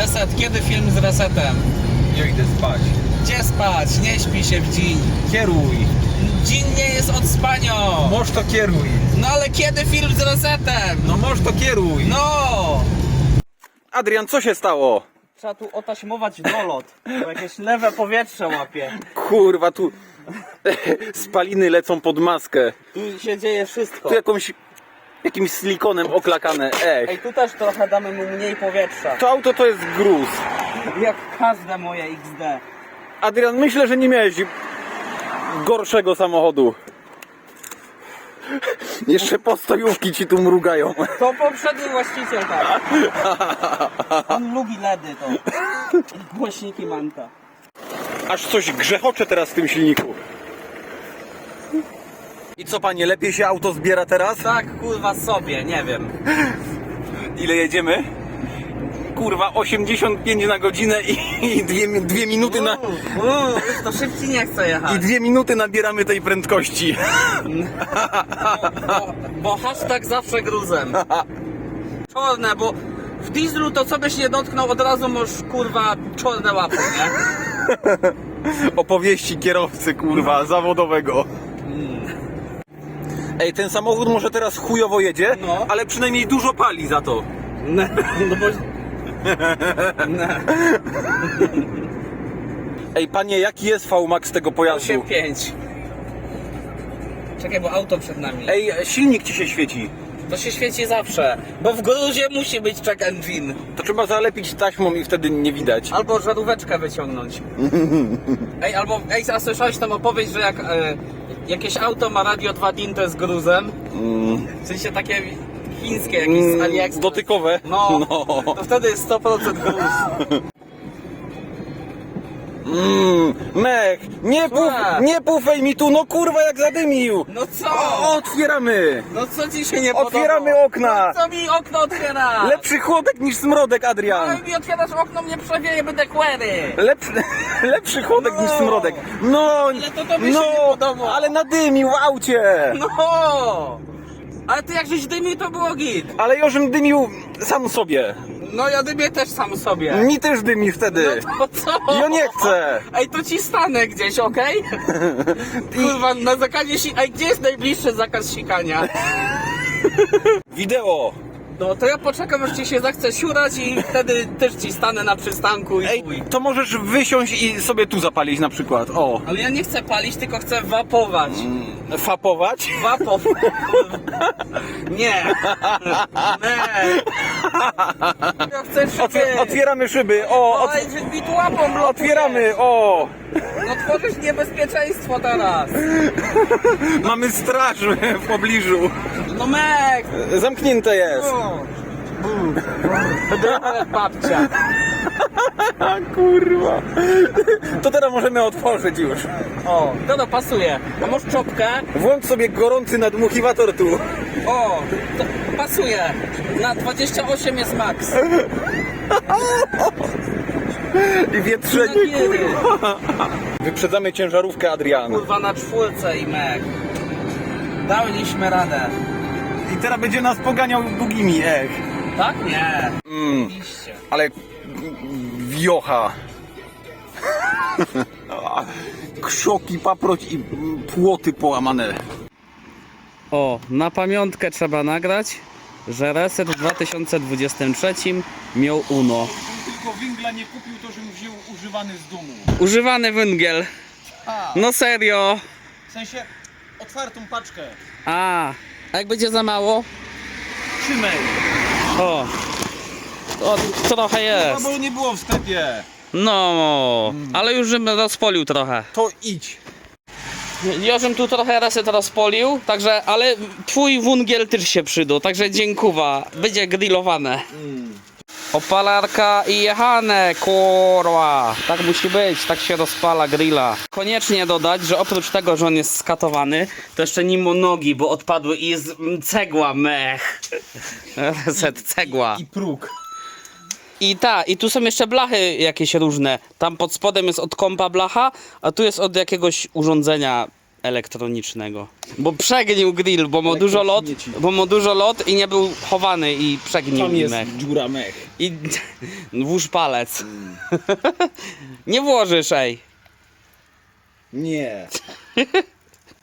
Reset, kiedy film z Resetem? Ja idę spać. Gdzie spać? Nie śpi się w dzień. Kieruj. Dzień nie jest od spania. Moż to kieruj. No ale kiedy film z Resetem? No moż to kieruj. No! Adrian, co się stało? Trzeba tu otaśmować dolot, bo jakieś lewe powietrze łapie. Kurwa, tu spaliny lecą pod maskę. Tu się dzieje wszystko. Tu jakimś silikonem oklakane. Ej, tu też trochę damy mu mniej powietrza. To auto to jest gruz. Jak każde moje XD. Adrian, myślę, że nie miałeś gorszego samochodu. Jeszcze postojówki ci tu mrugają. To poprzedni właściciel tak. On lubi LEDy to. Głośniki Manta. Aż coś grzechocze teraz w tym silniku. I co, panie, lepiej się auto zbiera teraz? Tak, kurwa sobie, nie wiem. Ile jedziemy? Kurwa, 85 na godzinę i dwie minuty na... Już to szybciej nie chcę jechać. I 2 minuty nabieramy tej prędkości. Bo hashtag zawsze gruzem. Czarne, bo w dieslu to co byś nie dotknął, od razu masz kurwa czarne łapy, nie? Opowieści kierowcy, kurwa, zawodowego. Ej, ten samochód może teraz chujowo jedzie, No. ale przynajmniej dużo pali za to. No bo... Ej, panie, jaki jest VMAX tego pojazdu? 8,5. Czekaj, bo auto przed nami. Ej, silnik ci się świeci. To się świeci zawsze, bo w gruzie musi być check engine. To trzeba zalepić taśmą i wtedy nie widać. Albo żaróweczkę wyciągnąć. A słyszałeś tam opowieść, że jak jakieś auto ma radio 2 DIN, to jest gruzem? W sensie takie chińskie jakieś z AliExpress. Dotykowe? No, to wtedy jest 100% gruz. Mech, Słuchaj. nie pufej mi tu, no kurwa jak zadymił. No co? Otwieramy. No co ci się nie podoba? Otwieramy okna. No co mi okno otwiera? Lepszy chłodek niż smrodek, No Adrian. i mi otwierasz okno, mnie przewieje, będę kłery. Lepszy chłodek No. niż smrodek. No, Ale to tobie się nie podoba. ale nadymił w aucie. No! Ale ty jak żeś dymił, to było git. Ale Jorzym dymił sam sobie. No ja dymię też sam sobie. Mi też dymi wtedy. No to co? Ja nie chcę. Ej, to ci stanę gdzieś, okej? Kurwa, na zakazie Ej, gdzie jest najbliższy zakaz sikania? Wideo. No to ja poczekam, aż ci się zachce siurać i wtedy też ci stanę na przystanku i Ej, chuj. to możesz wysiąść i sobie tu zapalić na przykład. O. Ale ja nie chcę palić, tylko chcę wapować. Fapować? Wapow. Nie. Nie. Ja chcę szyby. Otwieramy szyby. O, Ej, mi tu łapą blokuje. otwieramy. O. No tworzysz niebezpieczeństwo teraz. Mamy straż w pobliżu. No mek. Zamknięte jest. Babcia. A kurwa. To teraz możemy otworzyć już. O, to pasuje. A masz czopkę? Włącz sobie gorący nadmuchiwator tu. O, to pasuje. Na 28 jest max. I wietrzenie, kurwa. Wyprzedzamy ciężarówkę, Adrian. Kurwa na 4 i mek. Daliśmy radę. I teraz będzie nas poganiał długimi, Tak? Nie. Oczywiście. Ale wiocha. Krzoki, paproć i płoty połamane. O, na pamiątkę trzeba nagrać, że Reset w 2023 miał UNO. Tylko węgla nie kupił, to żebym wziął używany z domu. Używany węgiel. No serio. W sensie otwartą paczkę. A jak będzie za mało? Trzymaj. O, to trochę jest. Bo nie było w sklepie. No, ale już bym rozpolił trochę. To idź. Jożem tu trochę Reset rozpolił, także, ale twój węgiel też się przydał, także dziękuję. Będzie grillowane. Opalarka i jechane, kurwa. Tak musi być, tak się rozpala grilla. Koniecznie dodać, że oprócz tego, że on jest skatowany, to jeszcze nim nogi, bo odpadły i jest cegła, mech. Reset, cegła. I próg. I tu są jeszcze blachy jakieś różne. Tam pod spodem jest od kompa blacha, a tu jest od jakiegoś urządzenia elektronicznego. Bo przegnił grill, bo ma dużo lot, Elektrośmieci. bo ma dużo lot i nie był chowany i przegnił Tam jest mech. dziura mech. I włóż palec. Nie włożysz, ej. Nie.